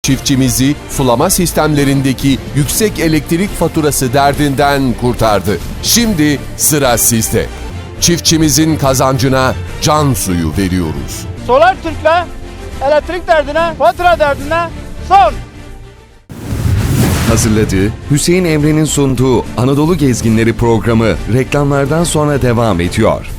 Çiftçimizi sulama sistemlerindeki yüksek elektrik faturası derdinden kurtardı. Şimdi sıra sizde. Çiftçimizin kazancına can suyu veriyoruz. Solar Türk'le elektrik derdine, fatura derdine son. Hazırladığı, Hüseyin Emre'nin sunduğu Anadolu Gezginleri programı reklamlardan sonra devam ediyor.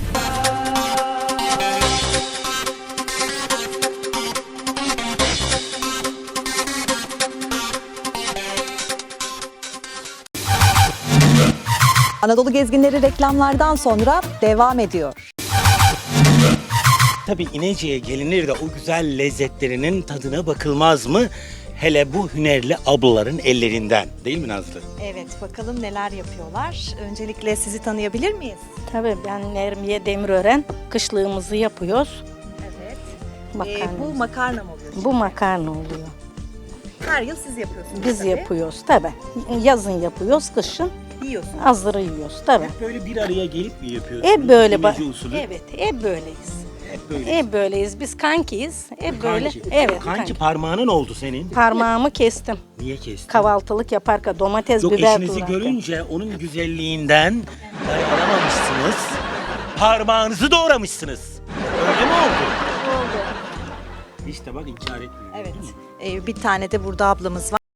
Anadolu Gezginleri reklamlardan sonra devam ediyor. Tabii İnece'ye gelinir de o güzel lezzetlerinin tadına bakılmaz mı? Hele bu hünerli ablaların ellerinden, değil mi Nazlı? Evet, bakalım neler yapıyorlar. Öncelikle sizi tanıyabilir miyiz? Tabii ben Nermiye Demirören, kışlığımızı yapıyoruz. Evet. Makarna. Bu makarna mı oluyor? Bu makarna oluyor. Her yıl siz yapıyorsunuz. Biz tabii. yapıyoruz tabii. Yazın yapıyoruz, kışın Yiyorsunuz. hazırı yiyoruz tabii. Hep böyle bir araya gelip mi yapıyorsunuz? Hep böyle İnece usulü. Evet, hep böyleyiz. Hep böyle. Hep böyleyiz. Biz kankiyiz. Hep böyle. Kanki. Evet, Kanki parmağının oldu senin. Parmağımı kestim. Niye kestin? Kahvaltılık yaparken domates, Yok, biber eşinizi doğrarken. görünce onun güzelliğinden dayanamamışsınız. Parmağınızı doğramışsınız. Öyle mi oldu? Oldu. İşte bak inkar etmiyor. Evet. değil mi? Bir tane de burada ablamız var.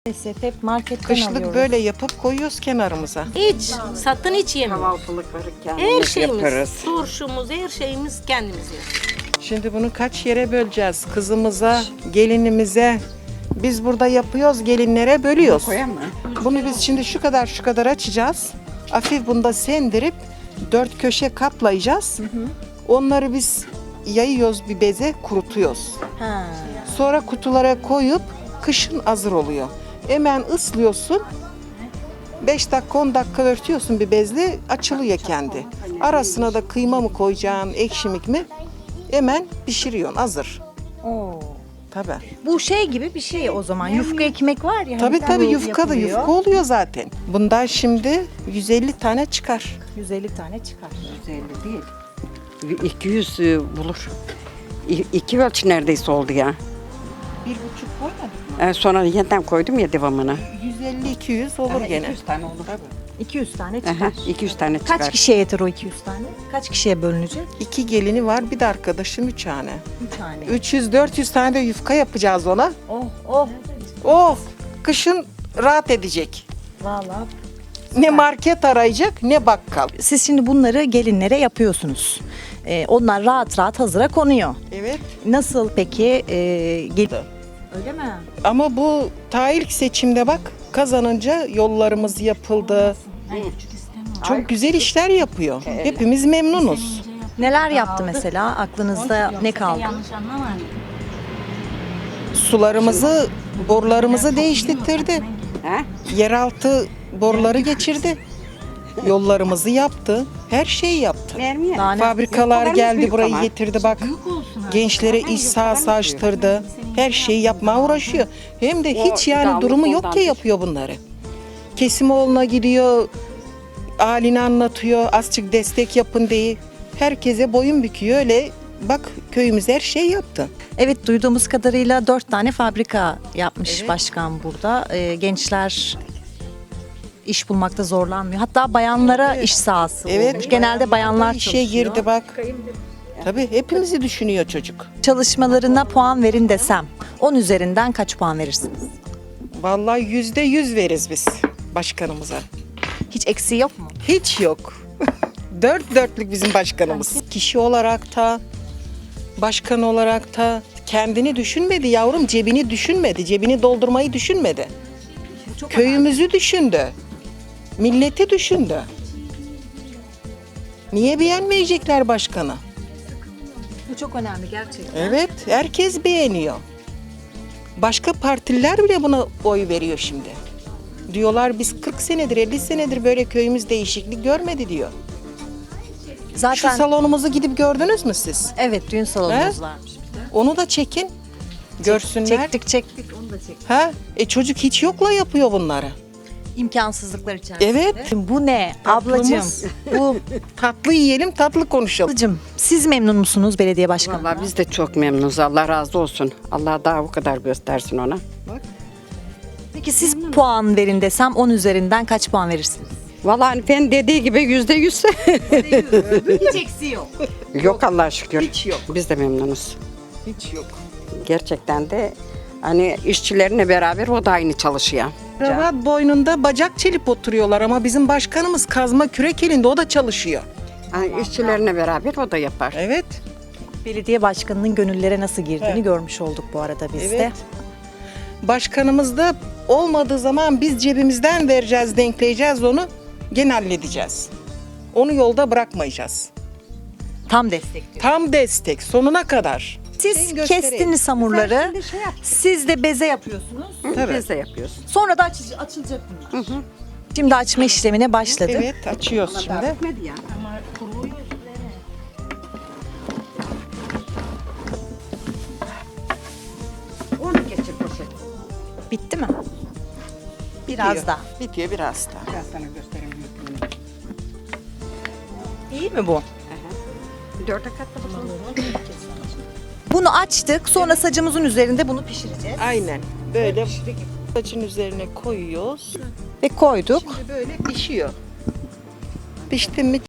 Maalesef hep marketten Kışlık alıyoruz. böyle yapıp koyuyoruz kenarımıza. Hiç satın hiç yemiyoruz. Kahvaltılıkları Her kendimiz şeyimiz, yaparız. turşumuz, her şeyimiz kendimiz yapıyoruz. Şimdi bunu kaç yere böleceğiz? Kızımıza, gelinimize. Biz burada yapıyoruz, gelinlere bölüyoruz. Koyar mı? Bunu biz şimdi şu kadar açacağız. Hafif bunda sendirip 4 köşe katlayacağız. Onları biz yayıyoruz bir beze, kurutuyoruz. Ha. Sonra kutulara koyup kışın hazır oluyor. Hemen ıslıyorsun. 5 dakika 10 dakika örtüyorsun bir bezle, açılıyor kendi. Arasına da kıyma mı koyacaksın, ekşimik mi? Hemen pişiriyorsun, hazır. Oo. Tabii. Bu şey gibi bir şey o zaman. Yufka ekmek var ya. Tabii hani yufka da yufka oluyor zaten. Bundan şimdi 150 tane çıkar. 150 tane çıkar. 150 değil. 200 bulur. 2 ölçü neredeyse oldu ya. 1,5 koymadık mı? Sonra yeniden koydum ya devamını. 150-200 olur gene. 200 tane olur. 200 tane Aha, çıkar. 200 tane çıkar. Kaç kişiye yeter o 200 tane? Kaç kişiye bölünecek? 2 gelini var, bir de arkadaşım 3 tane. 3 tane. 300-400 tane de yufka yapacağız ona. Oh oh. Oh, kışın rahat edecek. Vallahi. Ne market arayacak ne bakkal. Siz şimdi bunları gelinlere yapıyorsunuz. Onlar rahat rahat hazıra konuyor. Evet. Nasıl peki? Öyle mi? Ama bu ta ilk seçimde bak kazanınca yollarımız yapıldı. Çok güzel işler yapıyor. Hepimiz memnunuz. Neler yaptı mesela? Aklınızda ne kaldı? Sularımızı, borularımızı değiştirdi. Ha? Yeraltı boruları geçirdi. Yollarımızı yaptı. Her şeyi yaptı. Vermiyor. Daha ne? Fabrikalar Yufkalarımız geldi büyük burayı ama. getirdi bak. Gençlere iş sahası açtırdı. Her şeyi yapmaya uğraşıyor. Hem de hiç yani iddialı durumu yok ki ondandır. yapıyor bunları. Kesimoğlu'na gidiyor, halini anlatıyor, azıcık destek yapın diye. Herkese boyun büküyor öyle. Bak köyümüz her şey yaptı. Evet, duyduğumuz kadarıyla 4 tane fabrika yapmış başkan burada. Gençler iş bulmakta zorlanmıyor. Hatta bayanlara iş sahası olmuş. Genelde bayanlar işe çalışıyor. girdi bak. Tabii hepimizi düşünüyor çocuk. Çalışmalarına puan verin desem 10 üzerinden kaç puan verirsiniz? Vallahi %100 veririz biz başkanımıza. Hiç eksiği yok mu? Hiç yok. Dört dörtlük bizim başkanımız. Kişi olarak da, başkan olarak da kendini düşünmedi yavrum, cebini düşünmedi, cebini doldurmayı düşünmedi. Köyümüzü düşündü, milleti düşündü. Niye beğenmeyecekler başkanı? Bu çok önemli gerçekten. Evet, herkes beğeniyor. Başka partiler bile buna oy veriyor şimdi. Diyorlar biz 40 senedir, 50 senedir böyle köyümüz değişiklik görmedi diyor. Şu Zaten salonumuzu gidip gördünüz mü siz? evet, düğün salonumuz He? varmış. Onu da çekin. Görsünler. Çektik onu da çektik. Ha? Çocuk hiç yokla yapıyor bunları. İmkansızlıklar içerisinde. Evet. Bu ne ablacığım? Tatlımız. Bu Tatlı yiyelim, tatlı konuşalım. ablacığım, siz memnun musunuz belediye başkanı? Vallahi biz de çok memnunuz. Allah razı olsun. Allah daha o kadar göstersin ona. Peki siz puan verin desem 10 üzerinden kaç puan verirsiniz? Vallahi hani ben dediği gibi %100. Hiç eksiği yok. Yok Allah'a şükür. Hiç yok. Biz de memnunuz. Hiç yok. Gerçekten de hani işçilerine beraber o da aynı çalışıyor. Kravat boynunda bacak çelip oturuyorlar ama bizim başkanımız kazma kürek elinde o da çalışıyor. Hani işçilerine beraber o da yapar. Evet. Belediye başkanının gönüllere nasıl girdiğini Evet. görmüş olduk bu arada biz de. Evet. Başkanımız da olmadığı zaman biz cebimizden vereceğiz, denkleyeceğiz onu. Gene halledeceğiz. Onu yolda bırakmayacağız. Tam destekliyor. Tam destek sonuna kadar. Siz Ben göstereyim. kestiniz hamurları. Siz de beze yapıyorsunuz. Tabii. Biz de yapıyoruz. Sonra da açılacak bunlar. Şimdi açma işlemine başladık. Evet açıyoruz şimdi. Bitmedi ya. Onu geçir poşet. Bitti mi? Biraz Bitiyor. daha. Bitiyor biraz daha. Ben sana göstereyim büyüklüğünü. İyi mi bu? Dörde katladım. Bunu açtık. Sonra sacımızın üzerinde bunu pişireceğiz. Aynen. Böyle saçın üzerine koyuyoruz. Ve koyduk. Şimdi böyle pişiyor. Pişti mi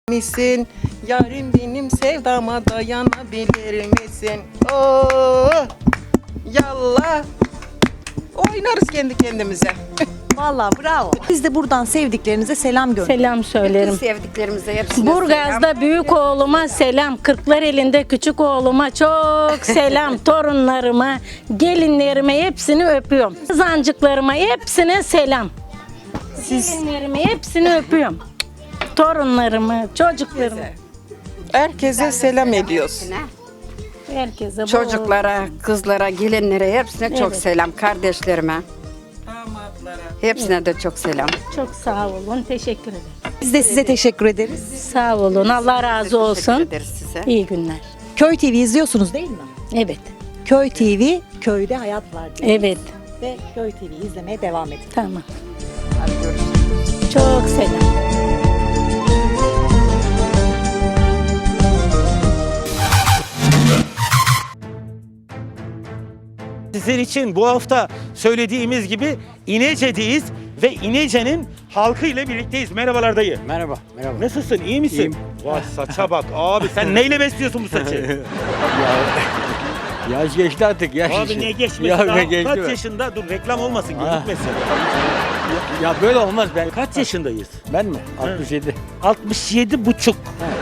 Misin? Yarim benim sevdama dayanabilir misin? Oo, yallah. Oynarız kendi kendimize. Vallahi bravo. Biz de buradan sevdiklerinize selam gönderelim. Selam söylerim. Sevdiklerimize hepsine selam. Burgaz'da büyük oğluma selam. Kırklar elinde küçük oğluma çok selam. Torunlarıma, gelinlerime hepsini öpüyorum. Kızancıklarıma hepsine selam. Gelinlerime hepsini öpüyorum. Torunlarımı, çocuklarımı. Herkese selam ediyoruz. Herkese bol- Çocuklara, kızlara, gelinlere hepsine çok Evet. selam. Kardeşlerime. Hepsine de çok selam. Çok sağ olun. Teşekkür ederim. Biz de size teşekkür ederiz. Sağ olun. Allah razı Teşekkür olsun. ederiz size. İyi günler. Köy TV izliyorsunuz değil mi? Evet. Köy TV, köyde hayat var diyor. Evet. Ve Köy TV izlemeye devam edin. Tamam. Hadi görüşürüz. Çok selam. Sizin için bu hafta söylediğimiz gibi İnece'deyiz ve İnece'nin halkı ile birlikteyiz. Merhabalar dayı. Merhaba, merhaba. Nasılsın? İyi misin? İyiyim. Vay saça bak abi, sen neyle besliyorsun bu saçı? Yaş geçti artık, yaş Abi işi. ne geçmesi Ya daha? ne geçti Kaç be? yaşında? Dur reklam olmasın, Ha. gözükmesin. Ya böyle olmaz ben. Kaç yaşındayız? Ben mi? 67. 67 buçuk.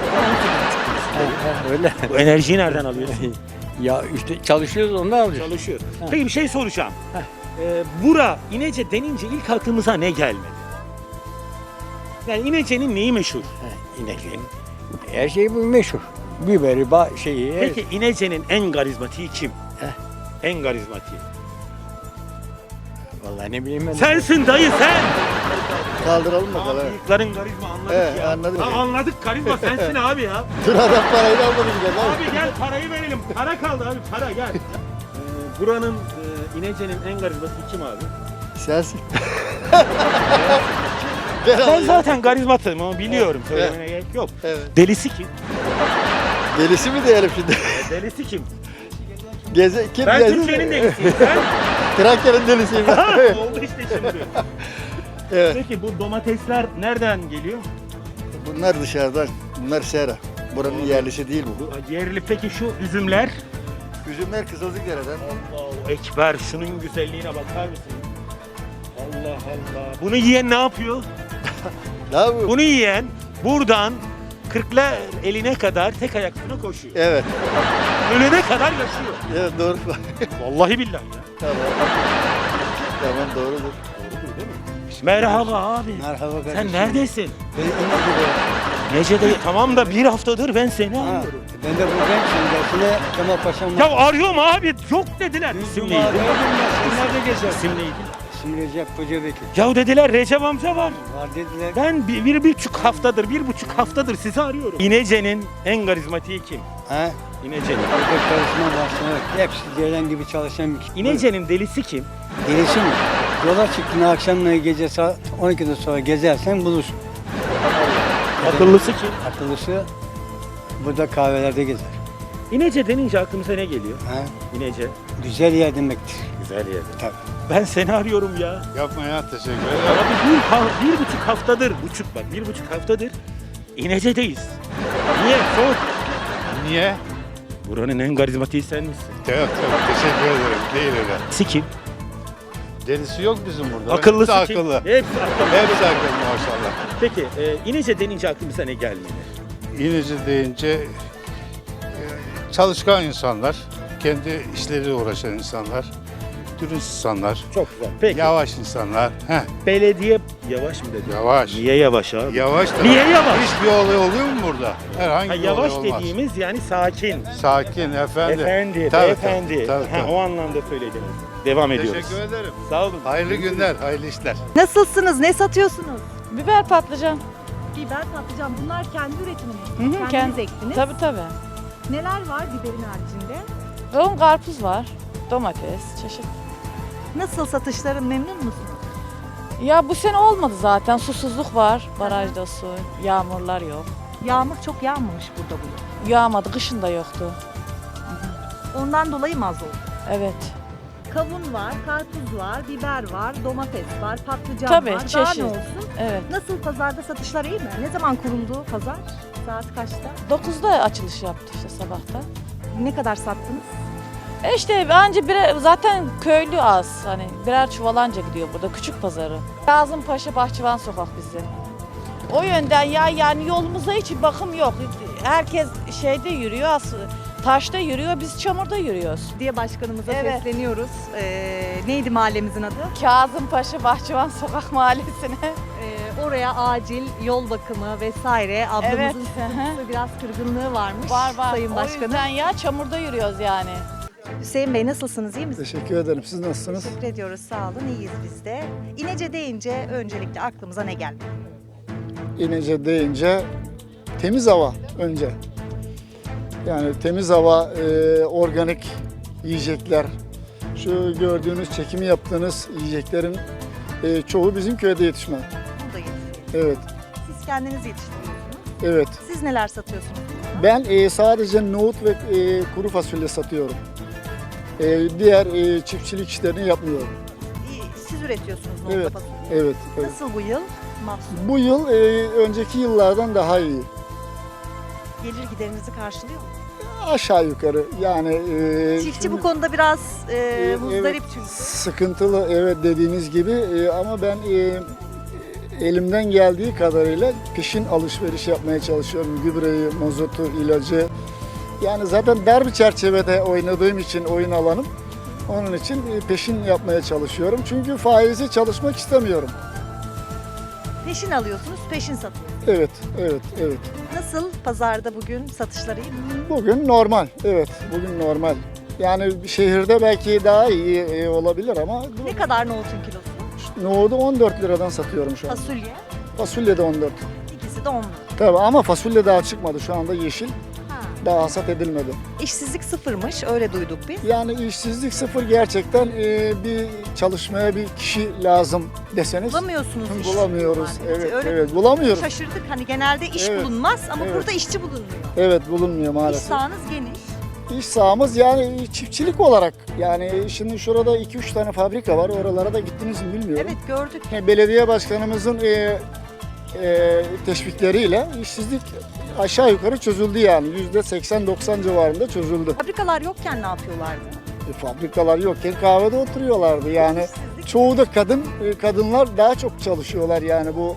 Öyle. Bu enerjiyi nereden alıyorsun? Ya işte çalışıyoruz ondan alıyoruz. Çalışıyor. Peki bir şey soracağım. Bura, İnece denince ilk aklımıza ne gelmedi? Yani İnece'nin neyi meşhur? İnekliğin. Her şey bu meşhur. Biberi, şeyi. Peki İnece'nin en karizmatiği kim? En karizmatiği. Vallahi ne bileyim ben. Sensin dayı sen. Kaldıralım bakalım. Bıyıkların karizma anladık Evet, ya. anladım. Ha, anladık karizma sensin abi ya. Dur adam parayı da almadı bile. Abi gel parayı verelim. Para kaldı abi, para gel. Buranın İnece'nin en karizmatiği kim abi? Sensin. Ben zaten karizmatım ama biliyorum. Söylemene gerek yok. Evet. Delisi kim? Delisi mi diyelim şimdi? Delisi kim? Kim Ben gezi? Türkiye'nin delisiyim. Sen? Trakya'nın delisiyim. Ha, oldu işte şimdi. Evet. Peki bu domatesler nereden geliyor? Bunlar dışarıdan. Bunlar sera. Buranın yerlisi değil bu. Bu yerli. Peki şu üzümler? Üzümler Kızılcıkdere'den. Allahu Ekber, şunun güzelliğine bakar mısın? Allah Allah. Bunu yiyen ne yapıyor? Ne yapıyor? Bunu yiyen buradan Kırklar eline kadar tek ayaklarına koşuyor. Evet. Ölene kadar yaşıyor. Evet doğru. Vallahi billahi ya. Tamam. Tamam doğrudur. Doğrudur değil mi? Merhaba abi. Merhaba kardeşim. Sen neredesin? Ben İnekli'de. Nece'de? Tamam da bir haftadır ben seni arıyorum. Ben de buradayım şimdi. Dersine Kemal Paşa'm Ya arıyorum abi. Yok dediler. İsim İsim neydi? Sen nerede gezersin? İsim neydi? İsim Recep Kocabekir. Ya dediler Recep amca var. Var dediler. Ben bir buçuk haftadır sizi arıyorum. İnece'nin en karizmatiği kim? Ha? İnece'nin. Orada çalışma başlamak. Hepsi Ceylan gibi çalışan bir kişi. İnece'nin delisi kim? Gelişim mi? Yola çıktığında akşamları gece saat 12'den sonra gezersen bulursun. Akıllısı kim? Akıllısı burada kahvelerde gezer. İnece denince aklımıza ne geliyor? Ha? İnece. Güzel yer demektir. Güzel yer. Tabii. Ben seni arıyorum ya. Yapma ya teşekkür Abi bir buçuk haftadır İnece'deyiz. Niye? Sor. Niye? Buranın en karizmatiği sen misin? Evet, teşekkür ederim. Değil öyle. Kim? Delisi yok bizim burada. Akıllısı Hepsi kim? akıllı. Hepsi akıllı. Hepsi akıllı maşallah. Peki İnece denince aklımıza ne gelmeli? İneci deyince çalışkan insanlar, kendi işleriyle uğraşan insanlar, dürüst insanlar, Çok güzel. Peki. yavaş insanlar. Belediye yavaş mı dedi? Yavaş. Niye yavaş abi? Yavaş da. Niye yavaş? Hiçbir olay oluyor mu burada? Herhangi Ha, bir yavaş olay olmaz. dediğimiz yani sakin. Sakin, efendi. Efendi, Tabii, beyefendi. tabii, Ha, tabii. o anlamda söylediniz. Devam ediyoruz. Teşekkür ederim. Sağ olun. Hayırlı günler, hayırlı işler. Nasılsınız? Ne satıyorsunuz? Biber patlıcan. Biber, patlıcan. Bunlar kendi üretiminiz. Hı hı, Kendiniz ektiniz. Tabii. Neler var biberin haricinde? Yoğun karpuz var. Domates, çeşit. Nasıl satışların, memnun musunuz? Ya bu sene olmadı zaten. Susuzluk var. Barajda su. Yağmurlar yok. Yağmur çok yağmamış burada bugün. Yağmadı. Kışın da yoktu. Ondan dolayı mı az oldu? Evet. Kavun var, karpuz var, biber var, domates var, patlıcan Tabii, var. Daha çeşit. ne olsun? Evet. Nasıl pazarda satışlar iyi mi? Ne zaman kuruldu pazar? Saat kaçta? 9'da açılış yaptı işte sabahta. Ne kadar sattınız? İşte bence zaten köylü az. Hani birer çuvalanca gidiyor burada küçük pazarı. Kazımpaşa Bahçıvan Sokak bizim. O yönden yani yolumuza hiç bakım yok. Herkes şeyde yürüyor aslında. Taşta yürüyor, biz çamurda yürüyoruz. Diye başkanımıza Evet. sesleniyoruz. Neydi mahallemizin adı? Kazımpaşa Bahçıvan Sokak Mahallesi'ne. Oraya acil yol bakımı vesaire. Ablamızın Evet. sıkıntısı, biraz kırgınlığı varmış Var Sayın O Başkanım. yüzden çamurda yürüyoruz yani. Hüseyin Bey nasılsınız, iyi misiniz? Teşekkür ederim. Siz nasılsınız? Teşekkür ediyoruz, sağ olun, iyiyiz biz de. İnece deyince öncelikle aklımıza ne geldi? İnece deyince temiz hava önce. Yani temiz hava, organik yiyecekler. Şu gördüğünüz, çekimi yaptığınız yiyeceklerin çoğu bizim köyde yetişme. Burada yetişiyor. Evet, Siz kendiniz yetiştiriyorsunuz. evet. Siz neler satıyorsunuz? Ben sadece nohut ve kuru fasulye satıyorum. Diğer çiftçilik işlerini yapmıyorum. Siz üretiyorsunuz Evet, nohutla fasulye. evet, evet. Nasıl bu yıl mahsul? Bu yıl önceki yıllardan daha iyi. Gelir giderinizi karşılıyor mu? Aşağı yukarı yani. Çiftçi bu konuda biraz muzdarip evet, çünkü. sıkıntılı, evet, dediğiniz gibi, ama ben elimden geldiği kadarıyla peşin alışveriş yapmaya çalışıyorum. Gübreyi, mazotu, ilacı. Yani zaten dar bir çerçevede oynadığım için oyun alanım. Onun için peşin yapmaya çalışıyorum. Çünkü faizi çalışmak istemiyorum. Peşin alıyorsunuz, peşin satıyorsunuz. Evet, evet, evet. Nasıl pazarda bugün satışları iyi mi? Bugün normal, evet, bugün normal. Yani şehirde belki daha iyi olabilir ama Ne kadar nohutun kilosu? nohudu 14 liradan satıyorum şu an. Fasulye, Fasulye de 14. ikisi de 10 lira. Tabii ama fasulye daha çıkmadı. Şu anda yeşil. Ha. Daha hasat edilmedi. İşsizlik sıfırmış, öyle duyduk biz. Yani işsizlik sıfır, gerçekten bir çalışmaya bir kişi lazım deseniz. Bulamıyorsunuz iş. Bulamıyoruz. Maalesef. Evet, Öyle evet, bulamıyoruz. Şaşırdık, hani genelde iş Evet, bulunmaz ama evet. burada işçi bulunmuyor. Evet, bulunmuyor İş maalesef. sahanız geniş. İş sahamız yani çiftçilik olarak. Yani şimdi şurada 2-3 tane fabrika var. Oralara da gittiniz mi bilmiyorum. Evet, gördük. Belediye başkanımızın teşvikleriyle işsizlik aşağı yukarı çözüldü yani. %80-90 civarında çözüldü. Fabrikalar yokken ne yapıyorlardı? Fabrikalar yokken kahvede oturuyorlardı yani. İşsizlik. Çoğu da kadınlar daha çok çalışıyorlar yani bu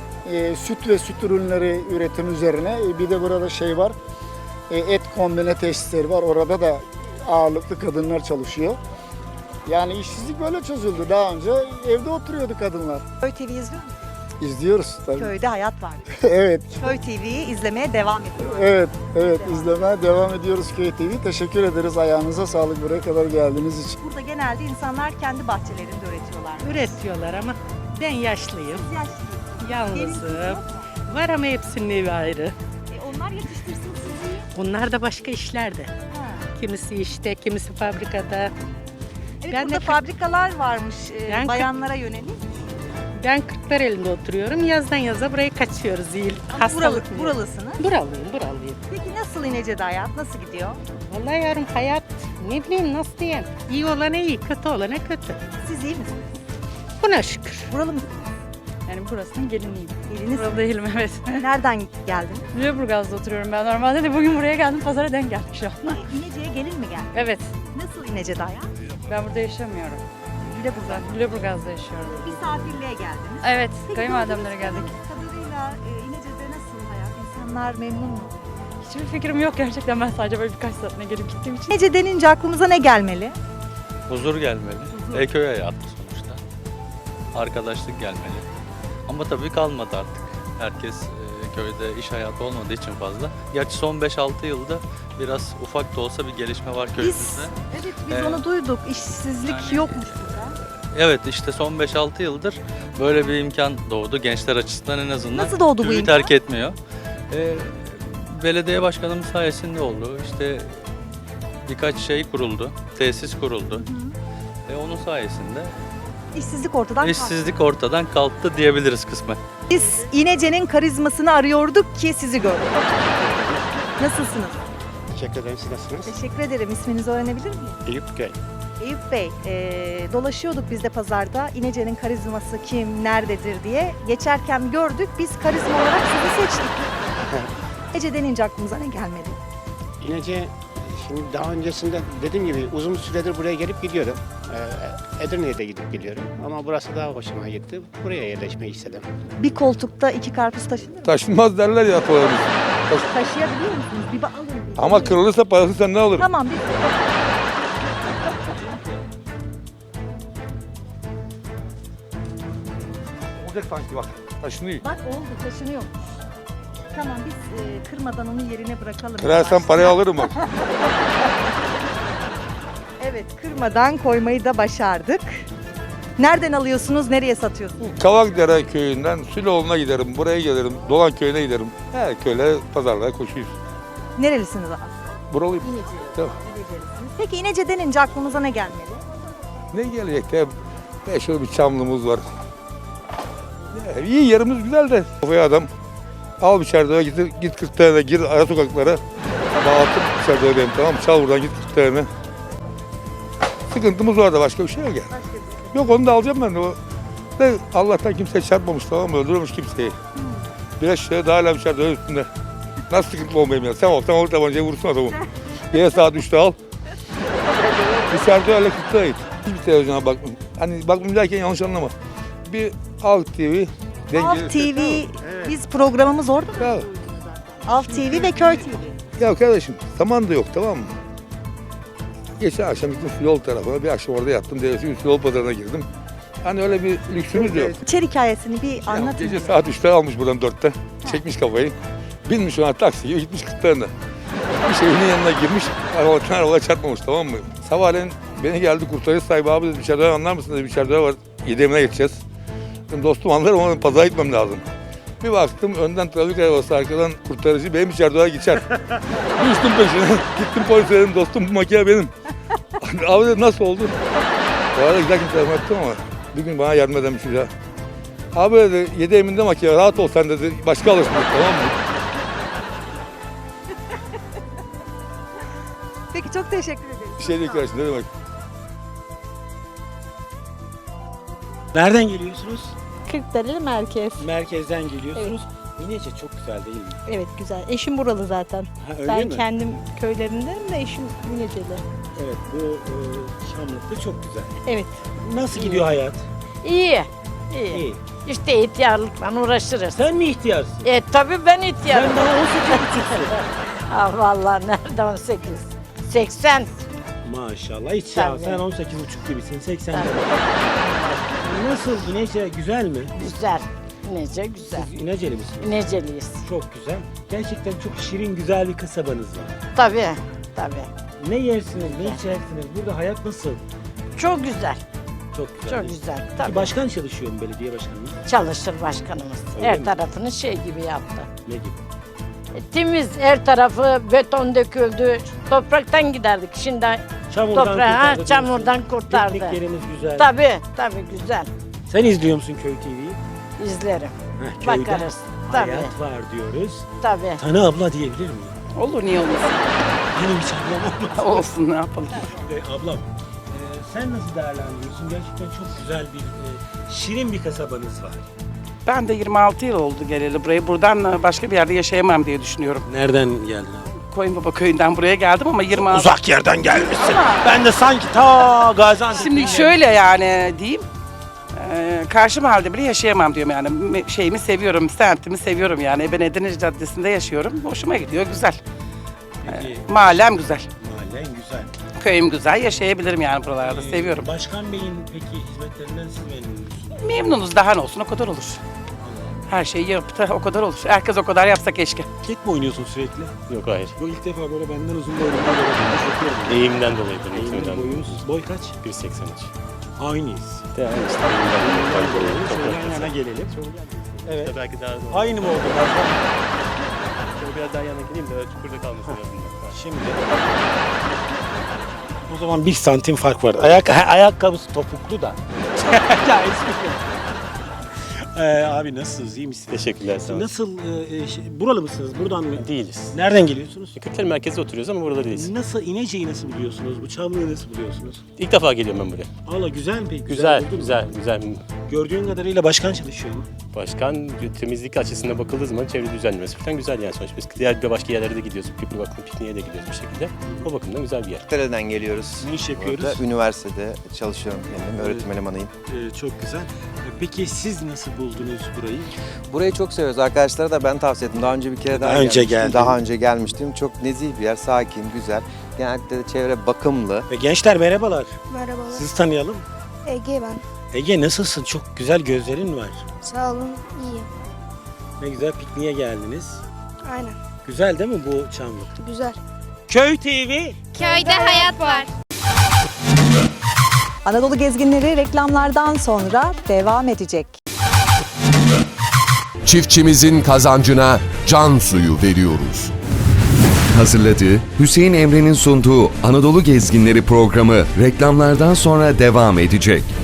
süt ve süt ürünleri üretim üzerine. Bir de burada şey var, et kombine tesisleri var. Orada da ağırlıklı kadınlar çalışıyor. Yani işsizlik böyle çözüldü. Daha önce evde oturuyordu kadınlar. Köy TV izliyor musunuz? İzliyoruz tabii. Köyde hayat var. Evet, Köy TV'yi izlemeye devam ediyoruz. evet, evet. İzlemeye devam ediyoruz Köy TV. Teşekkür ederiz. Ayağınıza sağlık buraya kadar geldiğiniz için. Burada genelde insanlar kendi bahçelerinde üretiyorlar. Üretiyorlar ama ben yaşlıyım, Siz yaşlısınız. yalnızım. Var ama hepsinin evi ayrı. Onlar yetiştirsin sizi. Bunlar da başka işlerde. Ha. Kimisi işte, kimisi fabrikada. Evet, Ben de burada fabrikalar varmış Ben bayanlara yönelik. Ben Kırklareli'nde oturuyorum. Yazdan yaza buraya kaçıyoruz. İyi, Ama hastalık mı? buralısınız. Buralıyım. Peki nasıl İnece'de hayat? Nasıl gidiyor? Vallahi yarım hayat, ne bileyim nasıl diyeyim. İyi olana iyi, kötü olana kötü. Siz iyi misiniz? Buna şükür. Buralı mısınız? Yani burasının geliniyim. Geliniz. Buralı değilim evet. Nereden geldin? Lüleburgaz'da oturuyorum ben normalde de bugün buraya geldim pazara denk geldim şu an. İnece'ye gelin mi geldin? Evet. Nasıl İnece'de hayat? Ben burada yaşamıyorum. Lüleburgaz'da yaşıyorum. Misafirliğe geldiniz. Evet, Peki, kayınvalidemlere gördüğünüz geldik. kadarıyla İnece'de nasıl hayat? İnsanlar memnun mu? Hiçbir fikrim yok gerçekten ben sadece böyle birkaç saatine gelip gittiğim için. İnece denince aklımıza ne gelmeli? Huzur gelmeli. Köy hayatı sonuçta. Arkadaşlık gelmeli. Ama tabii kalmadı artık. Herkes köyde iş hayatı olmadığı için fazla. Gerçi son 5-6 yılda biraz ufak da olsa bir gelişme var köyümüzde. Biz onu duyduk. İşsizlik Yani- yokmuş burada. Evet, işte son 5-6 yıldır böyle bir imkan doğdu gençler açısından en azından. Nasıl doğdu bu Köyü imkan? terk etmiyor. Belediye başkanımız sayesinde oldu. İşte birkaç şey kuruldu, tesis kuruldu. Onun sayesinde İşsizlik ortadan kalktı. işsizlik ortadan kalktı diyebiliriz kısmen. Biz İnece'nin karizmasını arıyorduk ki sizi gördük. Nasılsınız? Teşekkür ederim. Siz nasılsınız? Teşekkür ederim. İsminizi öğrenebilir miyim? Eyüp Göl. Eyüp Bey, dolaşıyorduk biz de pazarda. İnece'nin karizması kim, nerededir diye. Geçerken gördük. Biz karizma olarak sizi seçtik. İnece denince aklımıza ne gelmeli? İnece, şimdi daha öncesinde dediğim gibi uzun süredir buraya gelip gidiyorum. Edirne'ye de gidip geliyorum ama burası daha hoşuma gitti. Buraya yerleşmeyi istedim. Bir koltukta 2 karpuz taşınır mı? Taşınmaz derler ya atalarımız. Taşıyabiliyor musunuz? Bir alın. Ama kırılırsa parası sen ne alırım? Tamam bir Olacak sanki bak. Taşınıyor. Bak oldu taşınıyor. Tamam biz kırmadan onu yerine bırakalım. Kırarsan parayı alırım bak. Evet kırmadan koymayı da başardık. Nereden alıyorsunuz, nereye satıyorsunuz? Kavakdere köyünden Süloğlu'na giderim, buraya gelirim, Dolan köyüne giderim. Her köyle pazarlara koşuyoruz. Nerelisiniz abi? Buralıyım. İnece. Tamam. İnecelisiniz. Peki İnece denince aklınıza ne gelmeli? Ne gelecek de meşhur bir çamlımız var. Ya, iyi yerimiz güzel de. Kafaya adam al bir çardağa git 40 tane gir ara sokaklara. Dağıtıp çardağa benim tamam çal buradan git 40 tane. Sıkıntımız var da başka bir şey yok yani. Yok onu da alacağım ben de o. De Allah'tan kimse çarpmamış tamam mı? Öldürmemiş kimseyi. Biraz şöyle daha hala bir çardağa üstünde. Nasıl sıkıntı olmayayım ya? Sen olsan olur tabancayı vursun adamı. Yine saat 3'te al. Dışarıda öyle 40'ta git. Hiçbir televizyona bakmıyorum. Hani bakmıyorum derken yanlış anlama. Bir Halk TV. Halk TV, biz programımız orada mı? Ya, Halk TV ve Köy TV. ya kardeşim zaman da yok tamam mı? Geçen akşam gittim yol tarafına. Bir akşam orada yattım. Devleti yol pazarına girdim. Hani öyle bir lüksümüz yok. İçeri hikayesini bir Ya, anlatın. gece saat 3'te almış buradan 4'te. Çekmiş kafayı. Binmiş ona taksi gibi gitmiş 40 tane. Bir evinin yanına girmiş. Arabaya çarpmamış tamam mı? Sabahleyin beni geldi kurtarıcı sahibi abi dedi dışarıda anlar mısın dedi dışarıda var. 7'imine geçeceğiz. Dedim, dostum anlarım ama pazara gitmem lazım. Bir baktım önden trafik arabası arkadan kurtarıcı benim içeride geçer. Düştüm peşine. Gittim polise dedim dostum bu makine benim. Abi dedi nasıl oldu? Bu arada güzel kimse anlattım ama bir gün bana yardım eden bir şey daha. Abi dedi 7 eminde makine rahat ol sen dedi başka alırsın dedi, tamam mı? Peki çok teşekkür ederim. Bir şey değil kardeşim ne demek? Nereden geliyorsunuz? Kırklareli merkez. Merkezden geliyorsunuz. İnece çok güzel değil mi? Evet güzel. Eşim buralı zaten. Ha, öyle Ben mi? kendim köylerindenim de eşim İneceli. Evet bu Şamlık'ta çok güzel. Evet. Nasıl gidiyor hayat? İyi. İyi. İşte ihtiyarlıkla uğraşırız. Sen mi ihtiyarsın? Tabii ben ihtiyarım. Sen daha 18,5'sun. Ah vallahi nerede 18? 80. Maşallah hiç ya. Tabii. Sen 18,5 gibisin. 80. Nasıl? İnece güzel mi? Güzel. İnece güzel. Siz İneceli misiniz? İneceliyiz. Çok güzel. Gerçekten çok şirin güzel bir kasabanız var. Tabii. Tabii. Ne yersiniz, ne içersiniz? Burada hayat nasıl? Çok güzel. Çok güzel. Çok değil mi? güzel. Bir Tabii. başkan çalışıyor mu belediye başkanı? Çalışır başkanımız. Öyle Her mi? tarafını şey gibi yaptı. Ne gibi? Temiz her tarafı beton döküldü. Topraktan giderdik. Şimdi Çamurdan toprağı çamurdan kurtardı. Pikniklerimiz güzel. Tabii güzel. Sen izliyor musun Köy TV'yi? İzlerim. Heh, köyde Bakarız. Tabii. hayat var diyoruz. Tabii. Tanı abla diyebilir miyim? Olur niye olmasın? Benim hiç ablam olmaz. Olsun ne yapalım. Ablam, sen nasıl değerlendiriyorsun? Gerçekten çok güzel bir, şirin bir kasabanız var. Ben de 26 yıl oldu geleli buraya. Buradan başka bir yerde yaşayamam diye düşünüyorum. Nereden geldin abi? Koyunbaba köyünden buraya geldim ama 26... Uzak yerden gelmişsin. Ben de sanki ta Gaziantep'ten Şimdi şöyle yani diyeyim. Karşı mahallede bile yaşayamam diyorum yani. Şeyimi seviyorum, semtimi seviyorum yani. Ben Edirne Caddesi'nde yaşıyorum. Hoşuma gidiyor, güzel. Peki, Mahallem güzel. mahallen güzel. Köyüm güzel, yaşayabilirim yani buralarda. Seviyorum. Başkan Bey'in peki hizmetlerinden siz memnun musunuz? Memnunuz, daha ne olsun o kadar olur. Her şeyi yaptı o kadar olur. Herkes o kadar yapsa keşke. Ket mi oynuyorsun sürekli? Yok hayır. Yok ilk defa böyle benden uzun boylu bir bakıyorum. Eğimden dolayıdır Eğimden muhtemelen. boyunuz boy kaç? 1.83. Aynıyız. Yani işte eğimden dolayı Şöyle yan toprak yana gelelim. Evet. İşte belki daha doğru. Aynı mı oldu? Şöyle biraz daha yana geleyim de çukurda kalmasın yazında. Şimdi o zaman 1 santim fark var. Ayakkabısı topuklu da. Ya espri. Abi nasılsınız? İyi misiniz? Teşekkürler sağ olun. Nasıl? Buralı mısınız? Buradan mı? Değiliz. Nereden geliyorsunuz? Kırklareli merkezde oturuyoruz ama burada değiliz. Nasıl? İnece'yi nasıl biliyorsunuz? Bu Çamlı'yı nasıl biliyorsunuz? İlk defa geliyorum ben buraya. Allah güzel mi peki? Güzel, oldu mu? güzel, güzel. Gördüğün kadarıyla başkan çalışıyor mu? Başkan temizlik açısından bakıldığı zaman çevre düzenlemesi falan güzel yani sonuçta. Biz diğer bir başka yerlere de gidiyoruz. Bir bakım pikniğe de gidiyoruz bir şekilde. O bakımdan güzel bir yer. Ankara'dan geliyoruz. Ne iş yapıyoruz? Burada üniversitede çalışıyorum kendim. Öğretim elemanıyım. Çok güzel. Peki siz nasıl buldunuz burayı? Burayı çok seviyoruz. Arkadaşlara da ben tavsiye ettim. Daha önce bir kere daha Daha önce gelmiştim. geldin. Daha önce gelmiştim. Çok nezih bir yer. Sakin, güzel. Genellikle de çevre bakımlı. Gençler merhabalar. Merhabalar. Sizi tanıyalım. Ege ben. Ege nasılsın? Çok güzel gözlerin var. Sağ olun, iyiyim. Ne güzel pikniğe geldiniz. Aynen. Güzel değil mi bu Çamlık? Güzel. Köy TV. Köyde hayat var. Anadolu gezginleri reklamlardan sonra devam edecek. Çiftçimizin kazancına can suyu veriyoruz. Hazırladığı, Hüseyin Emre'nin sunduğu Anadolu Gezginleri programı reklamlardan sonra devam edecek.